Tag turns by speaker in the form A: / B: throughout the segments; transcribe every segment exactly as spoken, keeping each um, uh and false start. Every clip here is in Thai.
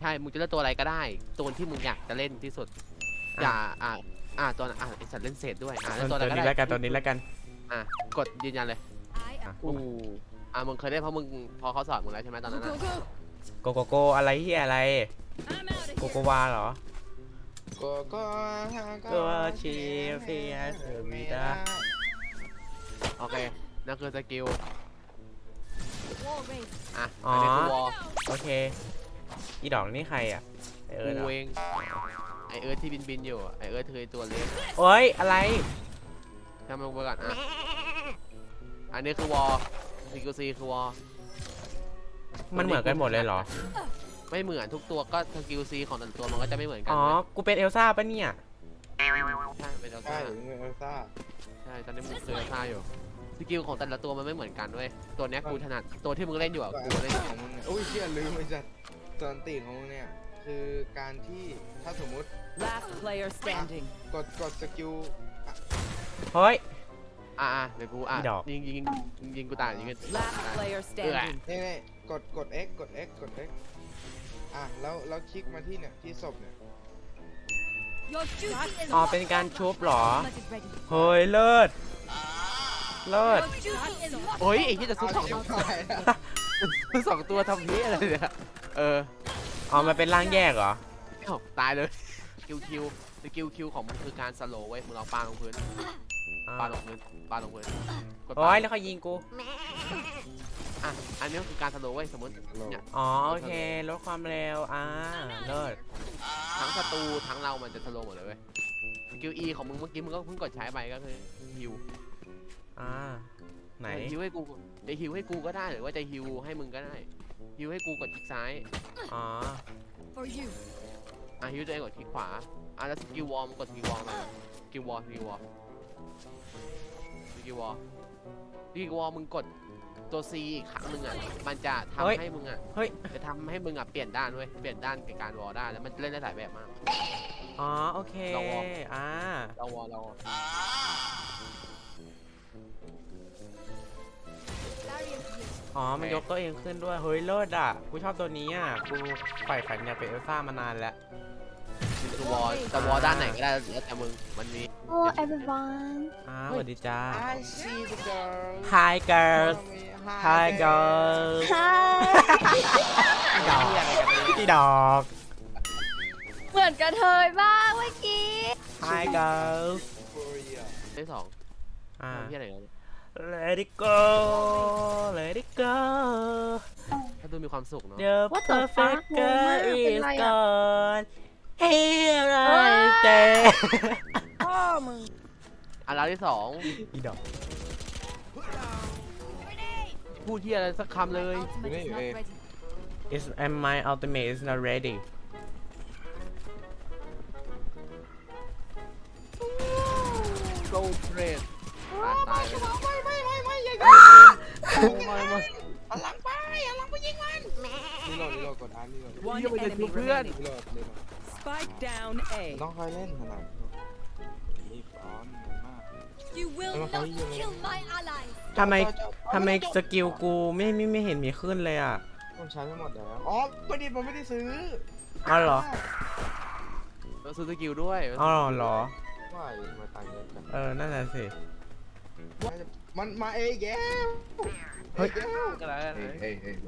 A: ช่มึงจะเล่นตัวอะไรก็ได้ตัวที่มึงอยากจะเล่นที่สุดอย่าอ่าอ่าตัวอ่าไอสัตว์เล่นเศษด้วยอ่าตัวอะไรก็ได้
B: ตัวนี้แล้วกันตัวนี้แล้วกัน
A: อ่ะกดยืนยันเลยอู้อ่ะมึงเคยเล่นเพราะมึงพอเขาสอนมึงแล้วใช่ไหมตอนนั้น
B: โกโกโกอะไรเฮียอะไรโกโกวาเหรอ
C: โก็ก็
B: ก็ชีเฟียเธอมีดา
A: โอเคนั่นคือสกิลอ่ะ
B: อ๋อ
A: อันนี้คือวอล
B: โอเคอีดอกนี่ใครอ่ะไอเอิร์ธ
A: กูเองไอเอิร์ธที่บินบินอยู่ไอเอิร์ธเคยตัวเล็ก
B: โอ้ยอะไร
A: ทำลงไปก่อนอ่ะอันนี้คือวอลซีกูซีคือวอล
B: มันเหมือนกันหมดเลยเหรอ
A: ไม่เหมือนทุกตัวก็สกิลซีของแต่ละตัวมันก็จะไม่เหมือนกัน
B: อ๋อกูเป็นเอลซ่าปะเนี่ย
A: ใช่เป็นเอล
C: ใช่
A: ซ่า
C: เงินเอลซ่า
A: ใช่ตอนนี้มึงคือเอลซ่าอยู่สกิลของแต่ละตัวมันไม่เหมือนกันเว้ยตัวนี้กูถนัดตัวที่มึงเล่นอยู่อ่ะกูเล่น
C: ของมึงอุ้ยเชี่ยลืมไปจัดตอนตีของมึงเนี่ยคือการที่ถ้าสมมุติ
D: Last player standing
C: กดกดสกิล
B: เฮ้ย
A: อ่ะเดี๋ยวกูอ่ะ
B: อีดอก
A: ยิงยิงยิงกูตายยิงกัน
D: Last player standing
C: นี่นี่กดกด X กด X กด X อ่ะแล้วแล้วคลิกมาที่เนี่ยที่ศพเนี่ย
B: อ๋อเป็นการชุบเหรอเฮ้ยเลิศเลิศ
A: โอ้ยไอ้ที่จะซื้อสอง
C: ชิบหายแล้ว
A: ซื้อสองตัวทำนี้อะไรเนี่ยเออ
B: อ๋อมันเป็นร่างแยกเหรอ
A: เอ้าตายเลยคิวคิวสกิลคิวของมันคือการสโลว์เว้ยมึงเอาปาลงพื้นปาลงพื้นปาลงพื้นกด
B: โอ้ยแล้วเขายิงกู
A: อ่ะอันนี้คือการสโลว์เว้ยสมมติเนี่ย
B: อ๋อโอเคลดความเร็วอ่าเลิศ
A: ทั้งศัตรูทั้งเรามันจะสโลว์หมดเลยเว้ยสกิล E ของมึงเมื่อกี้มึงก็เพิ่งกดใช้ไปก็คือฮิว
B: อ่าไหน
A: ฮิวให้กูจะฮิวให้กูก็ได้หรือว่าจะฮิวให้มึงก็ได้ฮิวให้กูกดคลิกซ้าย
B: อ๋อ
A: อ่ะฮิวตัวเองกดคลิกขวาอ่ะแล้วสกิลวอลมึงกดสกิลวอลมาสกิลวอลสกิลวอลสกิลวอลสกิลวอลมึงกดตัว C อีกครั้งหนึ่งอ่ะมันจะทำให้มึงอ่ะ
B: เฮ้ย
A: จะทำให้มึงอ่ะเปลี่ยนด้านเว้ยเปลี่ยนด้านในการวอลได้แล้วมันเล่นได้หลายแบบมาก
B: อ๋อโอเค
A: เราวอล
B: อ่า
A: เราวอลเราวอล
B: อ๋อมันยกตัวเองขึ้นด้วยเฮ้ยเลิศอ่ะกูชอบตัวนี้อ่ะกูใฝ่ฝันอยากเป็นเอลซ่ามานานแล้ว
A: คือวอลจะวอลด้านไหนก็ได้แล้วแต่มึงมันมี
E: Hello everyone
B: อ่าสวัสดีจ้า
C: I see the girl
B: Hi girls Hi girls
E: Hi
B: ดอกพี่ดอก
E: เหมือนกระเทยบ้างเมื่อกี้
B: Hi girls
A: ที่สอง
B: อ่า
A: ที่อะไรกัน
B: Let it go Let it go
A: ถ้าดูมีความสุขเนาะ
B: The
E: What the
B: perfect
E: fuck
B: girl
E: งงมากเป็น
B: is
E: ไรอะ
B: gone Here I stand
E: พ่อมึง
A: อ่ะแล้วที่สอง
B: อีดอก
A: พูดที่อะไรสักคำเลย
B: Is and my ultimate is not ready
A: โกลเทรดตายเลย
C: ไม่ไม่ไม่ไม่อย่า
A: ไม่ไม่
C: หันหลังไปหันหลังไปยิงมันนี่โหลดนี่โหลดกดอันนี่โหลด
D: One
A: มันจะ
D: enemy
A: ดูเพื่อน
D: remaining
C: นี่โหลดนี่โหลด
D: Spike down A
C: ต้องค่อยเล่นขนาดรีบร้อนมาก
F: You will
C: Em
F: not
C: có ý gì
F: kill my allies.
B: ทำไมทำไมสกิลกูไม่ไม่ไม่เห็นมีขึ้นเลยอ่ะ
C: ผมใช้ไม่หมดแล้วอ๋อประดิษฐ์มันไม่ได้ซื้อ
B: อ๋อเหรอ
A: เราซื้อสกิลด้วย
B: อ๋อเหรอ
C: ว่าอยู่ทำไมตายเยอะจัง
B: เออ นั่นแหละสิ
C: มันมาเองแก
B: เฮ้ย
A: ก็แล้วกัน
C: เฮ้ยเฮ้ยเฮ้ย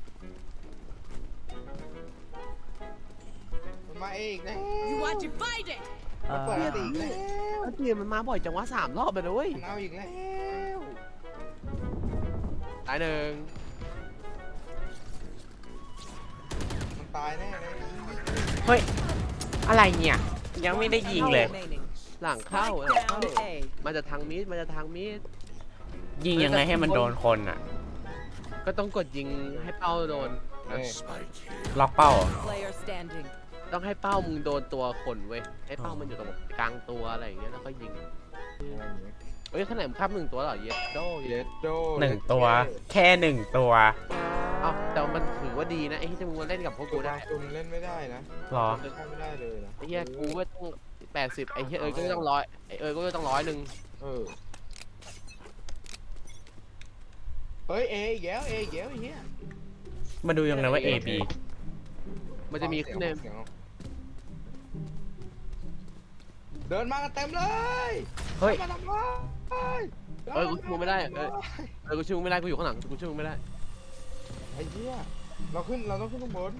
C: มันมาเองนะ
F: You are divided.
B: เอ
C: เปิด
B: อ
C: ตีแล้ว
A: เตียมันมาบ่อยจังวะสามรอบเลยนะเว้ย
C: มันเอาอีกแล้ว
A: ตายหนึ่ง
C: มันตายแน่เลย
B: เฮ้ย อะไรเนี่ย ยังไม่ได้ยิงเลย
D: remaining
A: หลังเข้า
D: Spike
A: หลังเข้า
D: down A
A: มันจะทางมิดมันจะทางมิด
B: ยิงยังไงให้มันโดนคนอ่ะ
A: ก็ต้องกดยิงให้เป้าโดน
C: เฮ้ย
B: ล็อกเป้าเหรอ
D: player standing
A: ต้องให้เป้ามึงโดนตัวคนเว้ยให้เป้ามันอยู่ตรงกลางตัวอะไรอย่างเงี้ยแล้วก็ยิงเฮ้ยขนาดมึงคับหนึ่งตัวเหรอเยสโด
C: เยสโด
B: หนึ่งตัว แค่หนึ่งตัว
A: เอ้าแต่มันถือว่าดีนะไอ้ที่มึงมาเล่นกับพวก
C: กู
A: กู
C: ได้
A: ได้
C: คุณเล่นไม่ได้นะ
B: หรอ
C: เล่นไม่ได้เลยนะ
A: ไอ้เหี้ยกูก็ต้องแปดสิบไอ้เหี้ยเอ้ยก็ต้องร้อยไอ้เอ้ยก็ต้องร้อยหนึ่ง
C: เออเฮ้ยเออีกแล้วเออีกแล้วไอ้เหี้ย
B: มาดูยังไงว่า A B
A: มันจะมีขึ้นใน
C: เสียงเดินมากันเต็มเลย
B: เฮ้ย
C: มาทำไม
A: เออกูชูไม่ได้เออเออกูชูไม่ได้กูอยู่ข้างหลังกูชูไม่ได้
C: ไอ้เหี้ยเราขึ้นเราต้องขึ้นข้างบน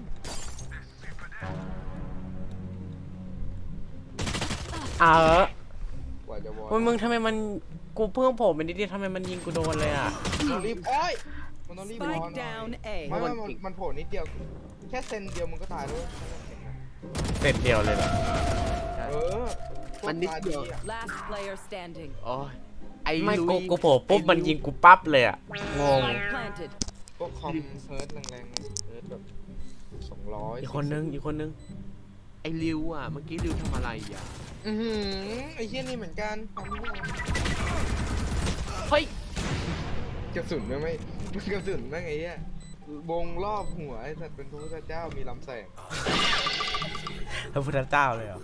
B: เออก
C: ว่าจะวอ
B: โอ้ยมึงทำไมมันกูเพิ่งโผล่ไปนิดเดียวทำไมมันยิงกูโดนเลยอ่ะ
C: ต้องรีบโอ้ยมันต้องรีบวอ
D: Spike
C: หน่อย
D: down
C: ไม่
D: A.
C: ไม่มันมันโผล่นิดเดียวแค่เซนเดียวมันก็ตายแล้ว
B: เสร็จเดียวเลยเหรอ
C: เออ
A: มันนิดเดียว
C: อะ
D: Last player standing.
A: โอ้ยไอ้
B: ไม่
A: ลุ
B: กู
A: ย
B: กูโผล่ปุ๊บมันยิงกูปั๊บเลยอ่ะงง
D: Spike planted.
C: พวกคอมเฮิร์ตแรงๆเฮิร์ตแบบสองร้อย
B: อีกคนนึงอีกคนนึง
A: ไอ้ริวอ่ะเมื่อกี้ริวทำอะไรอ่ะ
C: อือหือไอ้เหี้ยนี่เหมือนกันทำไม่ได้
A: เฮ้ย
C: กระสุนไม่ไม่กระสุนแม่งไอ้เหี้ยวงรอบหัวไอ้สัตว์เป็นพระพุทธเจ้ามีลำแสง
B: พระพุทธเจ้าเลยเหรอ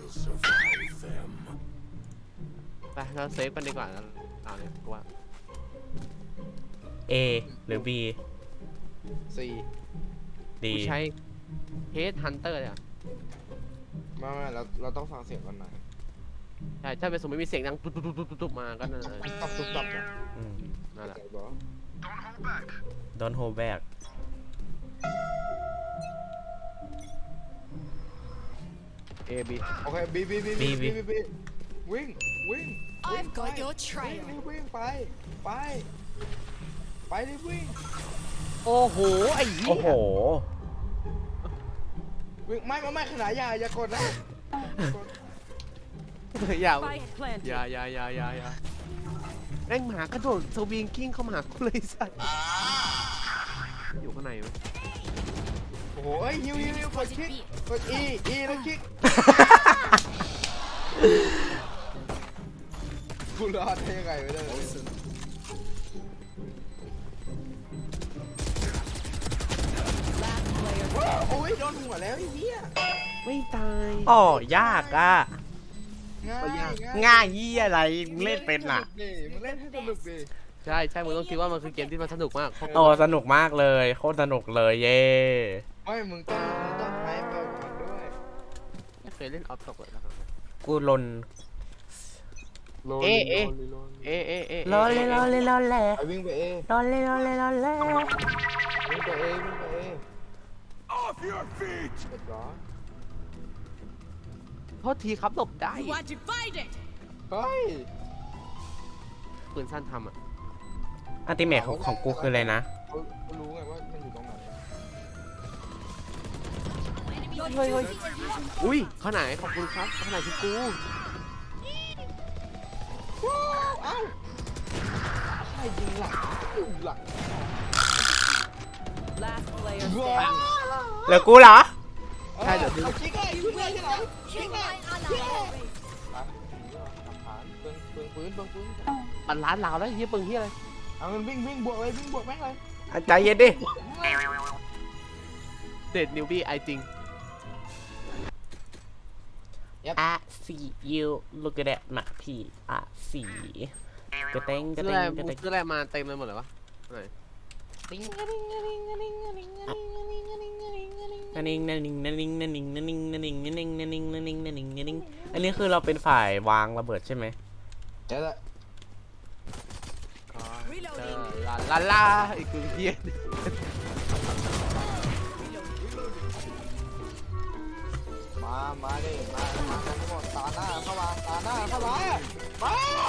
A: ไปเราเซฟกันดีกว่านะเอาเนี่ยกูว่า
B: A หรือ B
C: สี่
B: D
A: กูใช้เฮดฮันเตอร์เลยอ่ะ
C: ไมาไม่เราเราต้องฟังเสียงกันหน่อย
A: ใช่ถ้าเป็นสมมติมีเสียงดังตุ๊บตุ๊บตุ๊บตุ๊บตุ๊บมาก็นั่นเลย
C: ตับตุบตับนะ
B: อืม
A: นั่นแหละ
C: ใจบอก
B: Don't hold back
A: เอบี
C: โอเคบีบีบี
B: บี
C: บี
B: บี
C: บีบีวิ่งวิ่งวิ่ง
F: I've got
C: ไป
F: your trail
C: วิ่งวิ่งไปไปไปรีบวิ่ง
A: โอ้โหไอ้เหี้
B: โอ้โห
A: ย
C: วิ่งไม่ไม่ไม่ขนาดอย่าอย่ากดนะกด
A: อย่า
D: Spike planted.
A: อย่าอย่าอย่าอย่าอย่าแม่งหมากระโดดสวิงกิ้งเข้ามาหากูเลยสัตว์อยู่ข้างในไหม
C: โอ้โหเอ้ยฮิวฮิวฮิวกดคลิกกด E E แล้วคลิกกูรอดได้ยังไงไม่ได้เลย
D: Last player
C: โอ้ยโดนหัวแล้วไอ้เหี้ย
A: ไม่ตาย
B: อ๋อยากอ่ะ
C: ง่ายง่าย
B: ง่ายยี่อะไรมึงเล่นเป็นอ่ะ
C: มึงเล่นให้สนุกดิ
A: ใช่ใช่มึงต้องคิดว่ามันคือเกมที่มันสนุกมากเพราะ
B: โอ้สนุกมากเลยโคตรสนุกเลยเย่
C: ไม่มึงต้องมึงต้องใช้ไปกับมันด้วย
A: ไม่เคยเล่นออฟตกเลยนะครับ
B: กูลน
A: เอ๊ะเอ๊ะ เอะเอะเอะ
B: รอเลยรอเลยรอเลย
C: ไปวิ่งไปเอ
B: รอเลยรอเลยรอเลย
C: วิ่งไปเอวิ่งไปเอ Off your feet เรียบร้อย
A: โทษทีครับหลบได้
F: You are divided.
C: เฮ้ย
A: ปืนสั้นทำอ่ะ
B: อัลติเมทของของกูคืออะไรนะ
C: เขาเขารู้ไงว่ามันอยู่ตรงไหน
F: Your
A: Ôi, ôi.
F: duty is not
A: อุ้ยข้างไหนขอบคุณครับข้างไหนคือกู
C: เอ้าใครยิงหลังยิงหลัง
D: Last player
C: ว้า
D: standing.
B: เหลือกูเหรอ
C: ใช่เดี๋ยวดูคิกไอ้ยิงเลยที่ไหน
F: kill my ally.
C: ไปหลักฐานเปลืองเปลืองปืนเปลืองปืน
A: ปันร้านลาวแล้วเฮียเปิงเฮียอะไร
C: เอามันวิ่งวิ่งบวกเลยวิ่งบวกแม่งเลย
B: อ่ะใจเย็นดิ
A: เด็ดนิวบี้ไอจริง
B: I see you look at that มาพี่ I see กระเตงกระ
A: ซื้อ
B: เต
A: อะไร
B: งกระเตง
A: ซื้ออะไรมาเต็มเลยหมดเลยวะไหน
B: นั่นนิงนั่นนิงนั่นนิงนั่นนิงนั่นนิงนั่นนิงนั่นนิงนั่นนิงนั่นนิงนั่นนิงนั่นนิงอันนี้คือเราเป็นฝ่ายวางระเบิดใช่ไหม
C: เดี๋ยวละ
A: ลาลาลาไอ้กูเฮีย
C: มามาดิมามากันทั้งหมดตาหน้าเข้ามาตาหน้าเข้ามามา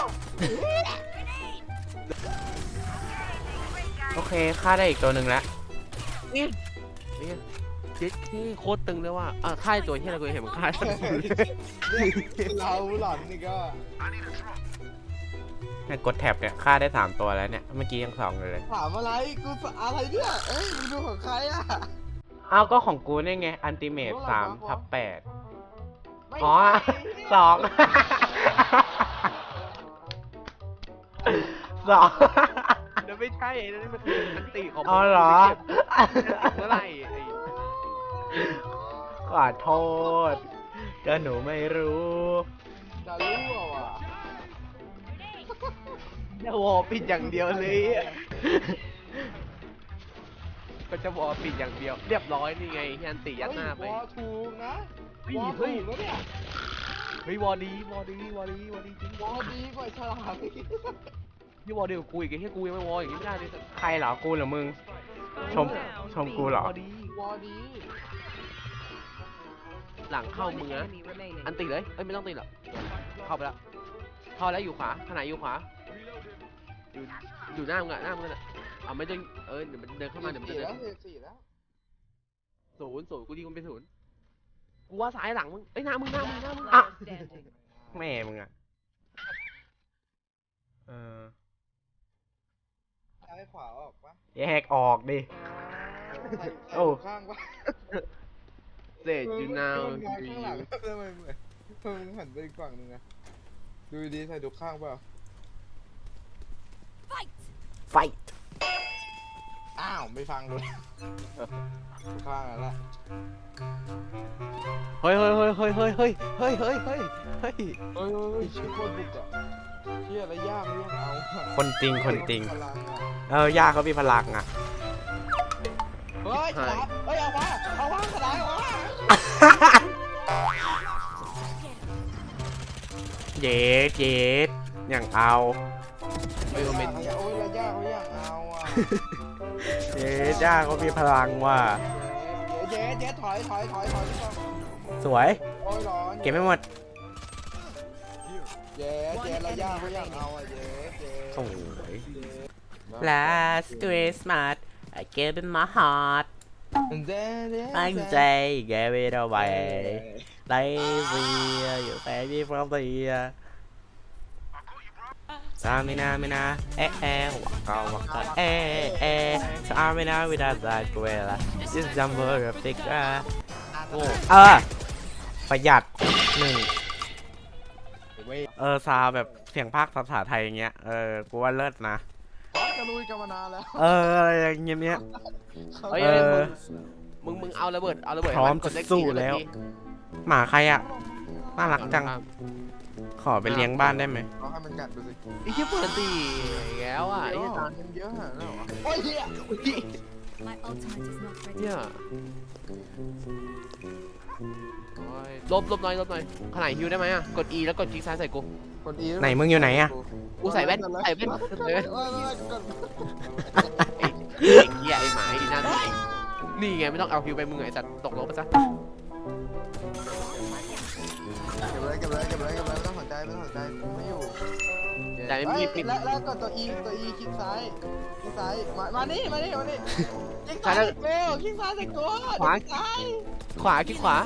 B: โอเคฆ่าได้อีกตัวหนึ่งแล้ว
A: นี่นี่เจ๊ที่โคตรตึงเลยว่าอ่ะค่ายตัวเฮียอะไรกูเห็นมันค่าย
C: เราหล่อนนี่ก็
B: เนี่ยกดแท็บเนี่ยฆ่าได้สามตัวแล้วเนี่ยเมื่อกี้ยังสองเลย
C: ถามอะไรกูอะไรเนี่ยเอ้ยมึงดูของใครอ่ะ
B: อ้าวก็ของกูนี่ไงอันติเมตสามทับแปด
C: ไม่
B: อ๋อ
C: ใช่
B: สองสอง
A: เดี๋ยวไม่ใช่นั่นมันคืออันติของ
B: อ๋อเหรอ
A: เมื่อไหร่ไอ้
B: ขอโทษก็หนูไม่รู้
C: จะรู้อ่ะ
A: เนี่ยวอลปิดอย่างเดียวเลยก็จะวอลปิดอย่างเดียว เรียบร้อยนี่ไงที่อันติยัดหน้าไป
C: วอถูกนะ
A: เฮ้ยว
C: อ
A: เฮ้ย
C: ถูกแล้วเนี่ย
A: เฮ้ยวอลดีวอลดีวอลดีวอลดีจริง
C: วอดีกว่าฉลามอีก
A: นี่วอลดีกว่ากูอีกไอ้เหี้ยกูยังไม่วอลอย่างนี้ไม่ได้เลย
B: ใครเหรอกูหรือมึง ชมชมกูเหรอ
A: วอลดี
C: วอดี
A: หลังเข้ามึง
D: One
A: นะ
D: enemy remaining.
A: อันติเลยเอ้ยไม่ต้องติหรอกเข้าไปแล้วเข้าแล้วอยู่ขวาขนาดอยู่ขวาอยู่อยู่หน้ามึงอะหน้ามึงน่ะเอาไม่ต้องเออเดี๋ยวมันเดินเข้ามาเดี๋ยวมันจะ
C: สี่
A: เดิน
C: แล้วสี่แล้ว
A: ศูนย์ศูนย์กูยิงมันเป็นศูนย์กูว่าซ้ายหลังมึงเอ้ยหน้ามึงหน้ามึงหน้ามึง
D: Player standing.
B: แม่มึงอะเออ
C: ซ้ายขวาออกปะ
B: แยกออกดิ
C: ใส่
B: โอ้
C: ข้างปะ
A: เศษยูนาว
C: มึงมองข้างหลังทำไมเหมือนทำไมมึงหันไปอีกฝั่งนึงอะดูดีใส่ดูข้างเปล่า
B: ไฟ
C: อ้าวไม่ฟังเลยดูข้างนั่นแหละ
A: เฮ้ยเฮ้ยเฮ้ยเฮ้ยเฮ้ยเฮ้ยเฮ้ยเฮ้ยเฮ้ยเฮ้ย
C: เฮ้ยเฮ้ยเฮ้ยชื่อโคตรบุกอะเชี่ยอะไรยากไม่ยากเอาอะ
B: คนจริงคนจริง
C: พลังอะ
B: เออย่าเขามีพลังอะ
C: เฮ้ยฉลามเฮ้ยเอาวะเอาวะฉลามเอาวะ
B: เย็ดเย็ดอย่างเอา
A: เฮ้ยโอเมน
C: โอ้ยระยะเขาอยากเอาอ่ะ
B: เย็ดย่าเขามีพลังว่ะ
C: เจ๊เจ๊ถอยถอยถอยถอยพี่ต้อง
B: สวย
C: โอ้ยร้อน
B: เก็บไม่หมด
C: เจ๊เจ๊ระยะเขาอยากเอาอ่ะเจ๊เจ๊
B: สวย Last Christmas I gave it my heart
C: เจ๊เจ๊
B: I say gave it away Lazy you say me from the Samina mina eh eh waka waka eh eh Samina without that gorilla This jumper of thick โง่เออประหยัดหนึ่งเออซาวแบบเสียงภาคภาษาไทยอย่างเงี้ยเออกูว่าเลิศนะ
C: จะลุยกันมานานแล้ว
B: เอออะไรอย่างเงี้ยเนี้ย
A: เฮ้ย
B: เออ
A: มึงมึงเอาระเบิดเอาระเบิด
B: พร้อม
A: ให้นกดเลข
B: สู้
A: สี่
B: แล้ว
A: นาที
B: หมาใครอ่ะน่ารักจัง ขอไปเลี้ยงบ้านได้ไหม
C: เอาให้มันกัดดูสิ
A: ไอ้เหี้ยเปิดตีอีกแล้วอ่ะไอ้
C: เย
A: เหี้ย
C: อะ
A: ตา
C: มันเยอะขนาดนั้นเหรอโอ้ยเฮีย
F: My ultimate is not ready.
A: เนี่ยโอ้ยลบลบหน่อยลบหน่อยขนาดฮิวได้ไหมอ่ะกด E แล้วกดคลิกซ้ายใส่กู
C: กดอี
B: ไหนมึงอยู่ไหนอ่ะ
A: กูใส่แว่นใส่แว่นใส่แว่น
C: เออเออกด
A: ไอ้ไอ้เหี้ยไอ้หมาไอ้นั่นนี่ไงไม่ต้องเอาฮิวไปมึงไอ้สัตว์ตกลบไปซะ
C: เก็บไว้เก็บไว้เก็บไว้เก็บไว้ไม่ต้องสนใจไม่ต้องสนใจกูไม่อยู่
A: แต่ไม่มีปิด
C: แล้วแล้วกดตัว E ตัว E คลิกซ้ายคลิกซ้ายมามานี่มานี่มานี่คลิกซ้ายใส่กูคลิกซ้ายใส่กู
A: ขวา
C: คลิกซ้าย
A: ขวาคลิกขวา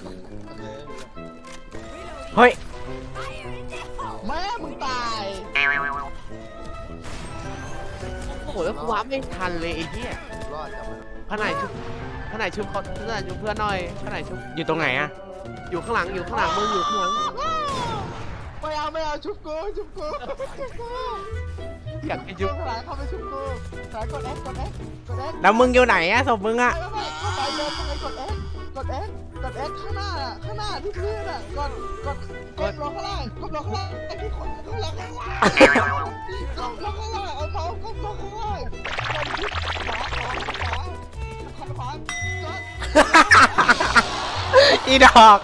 B: เฮ้ย
C: แม่มึงตาย
A: โอ้โหแล้วกูว้าไม่ทันเลยไอ้เหี้ย
C: รอดจับมัน
A: ขนาดชุบขนาดชุบเขาขนาดชุบเพื่อนหน่อยขนาดชุบ
B: อยู่ตรงไหนอ่ะ
A: อยู่ข้างหลังอยู่ข้างหลังมึงอยู่ข้างหลัง
C: ไม่เอาไม่เอาชุบกูชุบกูชุบกู
A: อยากให้
C: ชุ
A: ชุ
C: บบ ขลายเข้าไปชุบกูสายกด X กด X กด X
B: แล้วมึงอยู่ไหนอ่ะศพมึงอ่ะ
C: ไม่ไม่เข้าไปเดินไปกด X กด X กด X ข้างหน้าอ่ะข้างหน้าที่พื้นอ่ะกดกดกดลงข้างล่างกดลงข้างล่างไอ้ที่คนข้างล่างข้างล่างกดลงข้างล่างเอาเมาส์กดลงข้างล่างกดที่ขวาขวาขวาขวาขวากด
B: อีดอก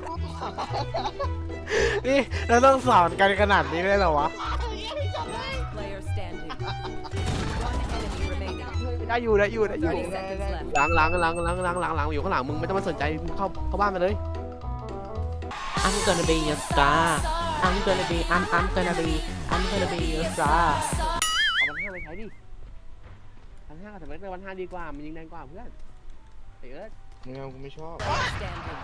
B: นี่เราต้องสอนกันขนาดนี้เลยเหรอวะ
D: Last player standing. One enemy remaining.
A: ได้อยู่ได้อยู่ได้อยู่
D: thirty seconds left.
A: หลังหลังหลังหลังหลังหลังหลังอยู่ข้างหลังมึงไม่ต้องมาสนใจมึงเข้าเข้าบ้านมาเลย
B: I'm gonna be a star I'm gonna be I'm I'm gonna be I'm gonna be a star
A: เอาวันห้าไปใช้ดิวันห้ากับสมัยเตอร์วันห้าดีกว่ามันยิงแรงกว่าเพื่อนเฮ้ยเอิร์ธ
C: มึงเอากูไม่ชอบ
D: Standing.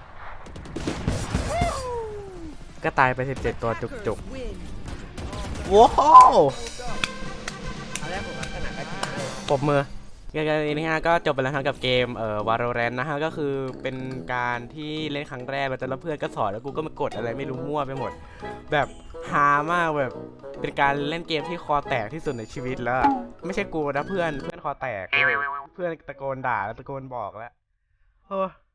B: ก็ตายไปสิบเจ็ดตัวจุก
D: Win.
B: ๆว้าว
A: เอาแรกผมขนาดไป
B: ปรบมือเกมนี้ฮะก็จบไปแล้วครับกับเกมเอ่อ Valorant นะฮะก็คือเป็นการที่เล่นครั้งแรกแล้วแต่ละเพื่อนก็สอนแล้วกูก็มากดอะไรไม่รู้มั่วไปหมด แบบฮามากแบบเป็นการเล่นเกมที่คอแตกที่สุดในชีวิตแล้วอะไม่ใช่กูนะเพื่อนเพื่อนคอแตกเลยเพื่อนตะโกนด่าแล้วตะโกนบอกแล้วโอ้